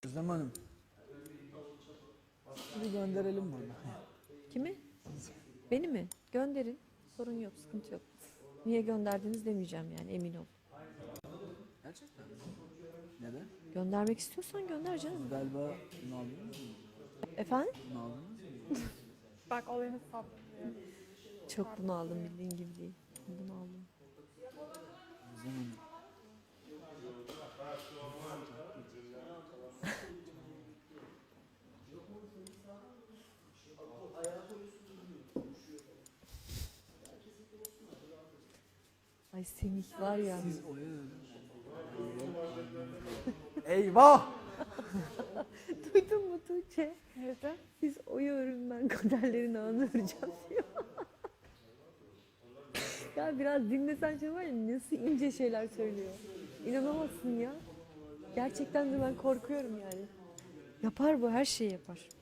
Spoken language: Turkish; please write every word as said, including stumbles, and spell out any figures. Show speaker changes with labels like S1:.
S1: Özlem Hanım. Bunu gönderelim bana.
S2: Kimi? Beni mi? Gönderin. Sorun yok, sıkıntı yok. Niye gönderdiniz demeyeceğim yani, emin ol.
S1: Gerçekten mi? Neden?
S2: Göndermek istiyorsan gönder canım.
S1: Siz galiba bunu aldınız mı?
S2: Efendim?
S1: Bunu aldınız mı?
S3: Bak olayını saplıyor.
S2: Çok bunaldım, bildiğin gibi değil. Bunaldım.
S1: Özlem Hanım.
S2: Ay Semih var ya.
S1: Siz oya Eyvah!
S2: Duydun mu Tuğçe?
S3: Neydi?
S2: Siz oyu örün, ben kaderlerin ağını öreceğim diyor. Ya biraz dinlesen şey var ya, nasıl ince şeyler söylüyor. İnanamazsın ya. Gerçekten de ben korkuyorum yani. Yapar bu, her şeyi yapar.